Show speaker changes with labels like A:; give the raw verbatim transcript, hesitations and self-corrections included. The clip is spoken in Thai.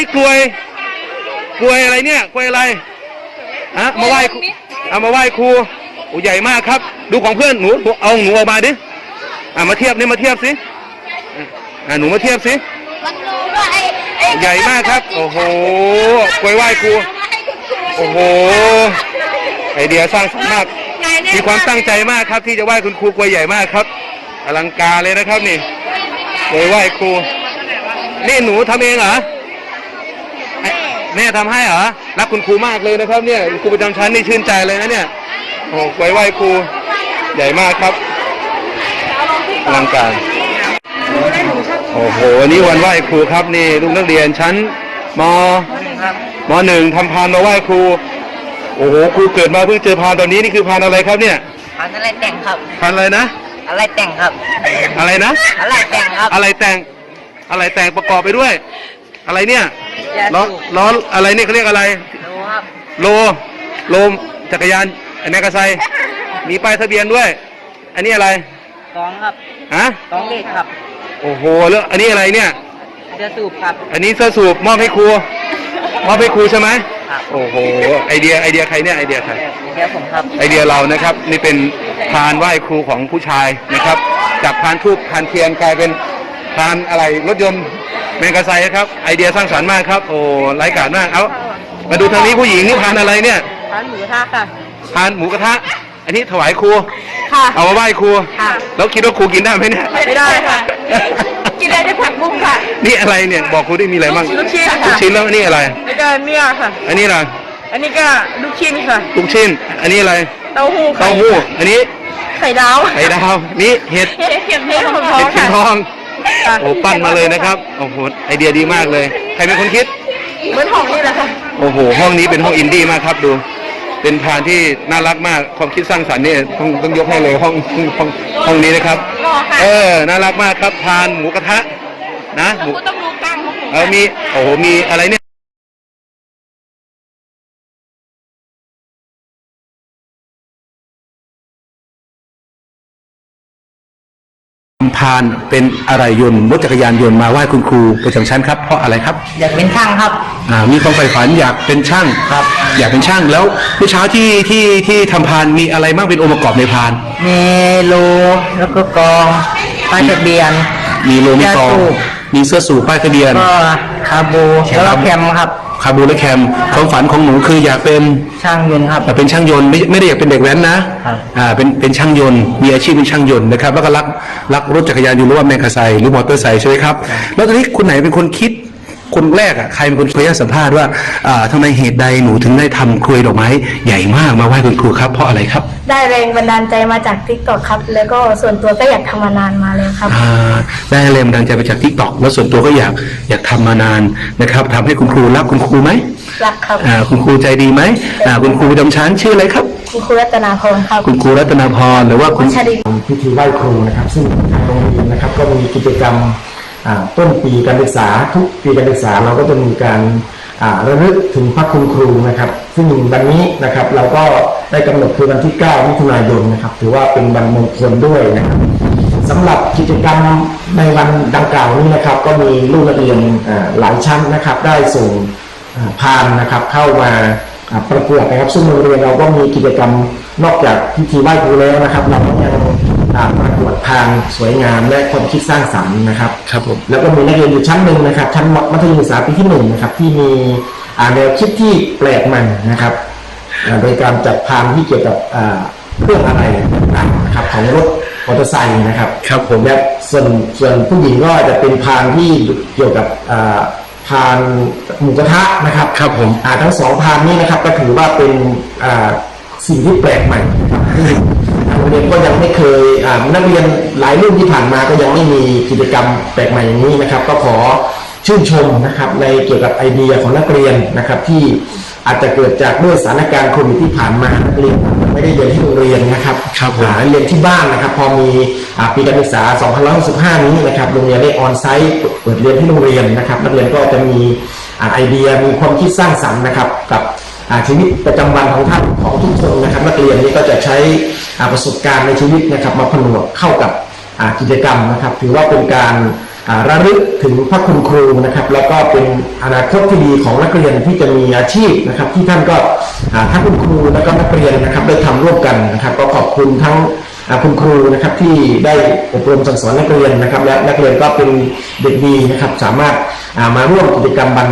A: กลวยกลวยอะไรเนี่ยกลวยอะไรอะมาไหว้เอามาไหว้ครูโอ้ใหญ่มากครับดูของเพื่อนหนูเอาหนูออกมาดิอ่ะมาเทียบนี่มาเทียบสิอ่ะหนูมาเทียบสิใหญ่มากครับโอ้โหกลวยไหว้ครูโอ้โหไอเดียสร้างสรรค์มากมีความตั้งใจมากครับที่จะไหว้คุณครูกลวยใหญ่มากครับอลังการเลยนะครับนี่กลวยไหว้ครูนี่หนูทำเองเหรอแม่ทำให้เหรอรักคุณครูมากเลยนะครับเนี่ยครูประจำชั้นนี่ชื่นใจเลยนะเนี่ยโอ้กลวยไหว้ครูใหญ่มากครับอลังการโอ้โหวันนี้วันไหว้ครูครับนี่ลูกนักเรียนชั้นมมหนึ่งทำพานมาไหว้ครูโอ้โหครูเกิดมาเพิ่งเจอพานตอนนี้นี่คือพานอะไรครับเนี่ย
B: พานอะไรแต่งครับ
A: พานอะไรนะ
B: อะไรแต่งครับ
A: อะไรนะ
B: อะไรแต่งครับ
A: อะไรแต่งอะไรแต่งประกอบไปด้วยอะไรเนี่ยล้อล้ออะไรนี่เขาเรียกอะไร
B: โลครับ
A: โลโลจักรยานไอ้แมกกาไซมีป้ายทะเบียนด้วยอันนี้อะไร
B: กองครับ
A: ฮะ
B: กองเด็กครับ
A: โอ้โหแล้วอันนี้อะไรเนี่ย
B: เสื้อสูบครับ
A: อันนี้เสื้อสูบมอบให้ครูมอบให้ครูใช่ไหมโอ้โหไอเดียไอเดียใครเนี่ยไอเดียใคร
B: ไอเดียผมครับ
A: ไอเดียเรานะครับนี่เป็นพานไหว้ครูของผู้ชายนะครับจากพานทูบพานเทียนกลายเป็นพานอะไรรถยนต์แมกกาไซครับไอเดียสร้างสรรค์มากครับโอ้ไร้กาจมากเอามาดูทางนี้ผู้หญิงนี่พานอะไรเนี่ย
B: พานหมูกระทะค่ะ
A: พานหมูกระทะอันนี้ถวายครู
B: ค่ะ
A: เอามาไหว้ครู
B: ค่ะ
A: แล้วคิดว่าครูกินได้ไหมเนี่ย
B: ไม่ได้ค่ะกินได้แต่ผักบุ้งค่ะ
A: นี่อะไรเนี่ยบอกครูได้มีอะไรบ้าง
B: ลูกชิ้นค่ะ
A: ลูกชิ้นแล้วนี่อะไร
B: แล้วก็เนี่ยค่ะ
A: อันนี้อะไร
B: อันนี้ก็ลูกชิ้นค่ะ
A: ลูกชิ้นอันนี้อะไร
B: เต้าหู้
A: เต้าหู้อันนี้
B: ไข่ดาว
A: ไข่ดาวนี่เห็ด
B: เห็ดเห็ดเห็ดทอง
A: เห็ดเข็มทองโอ้ปั้นมาเลยนะครับโอ้โหไอเดียดีมากเลยใครเป็นคนคิด
B: เหมือนห้องนี่แหละค่ะ
A: โอ้โหห้องนี้เป็นห้องอินดี้มากครับดูเป็นพานที่น่ารักมากความคิดสร้างสรรค์นี่ต้องต้องยกให้เลยห้องห้องห้องนี้นะครับเออน่ารักมากครับพานหมูกระทะนะหมู
B: ต้องรู้กลางของหมู
A: เออมีโอ้โหมีอะไรเนี่ยพานเป็นอะไรยนต์รถจักรยานยนต์มาไหว้คุณครูประจำชั้นครับเพราะอะไรครับ
B: อยากเป็นช่างครับ
A: อ่ามีความใฝ่ฝันอยากเป็นช่าง
B: ครับ
A: อยากเป็นช่างแล้วเมื่อเช้าที่ที่ที่ทำพานมีอะไรบ้างเป็นองค์ประกอบในพาน
B: มีโลแล้วก็กองป้ายทะเบียน
A: มีโลมีกองมีเสื้อสูทป้ายทะเบียน
B: ก็คาบูแล้วก็แคมครับ
A: คาบูและแคมความฝันของหนูคืออยากเป็น
B: ช่างยนต์ครับ
A: อยากเป็นช่างยนต์ไม่ไม่ได้อยากเป็นเด็กแว้นนะอ่าเป็นเป็นช่างยนต์มีอาชีพเป็นช่างยนต์นะครับแล้วก็รักรักรถจักรยานยนต์หรือว่าแมกกาไซหรือมอเตอร์ไซค์ใช่ไหมครับแล้วตอนนี้คุณไหนเป็นคนคิดคนแรกอ่ะใครเป็นคนเคยสัมภาษณ์ว่าอ่าทำไมเหตุใดหนูถึงได้ทำกลวยดอกไม้ใหญ่มากมาไหว้คุณครูครับเพราะอะไรครับ
C: ได้แรงบันดาลใจมาจากทิกตอกครับแล้วก็ส่วนตัวก็อยากทำมานานมาเลยครับ
A: อ่าได้แรงบันดาลใจมาจากทิกตอกแล้วส่วนตัวก็อยากอยากทำมานานนะครับทำให้คุณครูรักคุณครูไหม
C: รักครับ
A: อ่าคุณครูใจดีไหมอ่าคุณครูประจำชั้นชื่ออะไรครับ
C: คุณครูรัตนาพรครับ
A: คุณครูรัตนาพรหรือว่าคุณ
D: พิธีไหว้ครูนะครับซึ่งทางโรงเรียนนะครับก็มีกิจกรรมต้นปีการศึกษาทุกปีการศึกษาเราก็จะมีการระลึกถึงพระคุณครูนะครับซึ่งวันนี้นะครับเราก็ได้กำหนดคือวันที่เก้ามิถุนายนนะครับถือว่าเป็นวันมงคลด้วยนะครับสำหรับกิจกรรมในวันดังกล่าวนี้นะครับก็มีลูกนักเรียนหลายชั้นนะครับได้ส่งพานนะครับเข้ามาประกวดนะครับซึ่งโรงเรียนเราก็มีกิจกรรมนอกจากพิธีไหว้ครูแล้วนะครับเราก็ยังประกวดพานสวยงามและความคิดสร้างสรรค์นะครับ
A: ครับผม
D: แล้วก็มีนักเรียนอยู่ชั้นหนึ่งนะครับชั้นมัธยมศึกษาปีที่หนึ่งนะครับที่มีแนวคิดที่แปลกใหม่นะครับโดยการจัดพานที่เกี่ยวกับเครื่องอะไรต่างๆนะครับของรถมอเตอร์ไซค์นะครับ
A: ครับผม
D: และส่วนส่วนผู้หญิงก็จะเป็นพานที่เกี่ยวกับพานหมูกระทะนะครับ
A: ครับผม
D: ทั้งสองพานนี้นะครับก็ถือว่าเป็นสิ่งที่แปลกใหม่โรงเรียนก็ยังไม่เคยนักเรียนหลายรุ่นที่ผ่านมาก็ยังไม่มีกิจกรรมแปลกใหม่อย่างนี้นะครับก็ขอชื่นชมนะครับในเกี่ยวกับไอเดียของนักเรียนนะครับที่อาจจะเกิดจากด้วยสถานการณ์โควิดที่ผ่านมานักเรียนไม่ได้เรียนที่โรงเรียนนะครับเรียนที่บ้านนะครับพอมีปีการศึกษาสองพันห้าร้อยหกสิบห้านี้นะครับโรงเรียนได้ออนไซต์เปิดเรียนที่โรงเรียนนะครับนักเรียนก็จะมีไอเดียมีความคิดสร้างสรรค์นะครับกับชีวิตประจำวันของท่านของทุกคนนะครับนักเรียนนี้ก็จะใช้ประสบการณ์ในชีวิตนะครับมาผนวกเข้ากับกิจกรรมนะครับถือว่าเป็นการอ่าระลึกถึงพระคุณครูนะครับแล้วก็เป็นอนาคตที่ดีของนักเรียนที่จะมีอาชีพนะครับที่ท่านก็อ่าทั้งคุณครูแล้วก็นักเรียนนะครับได้ทำร่วมกันนะครับก็ขอบคุณทั้งอ่าคุณครูนะครับที่ได้อบรมสั่งสอนนักเรียนนะครับและนักเรียนก็เป็นเด็กดีนะครับสามารถอ่ามาร่วมกิจกรรมบัน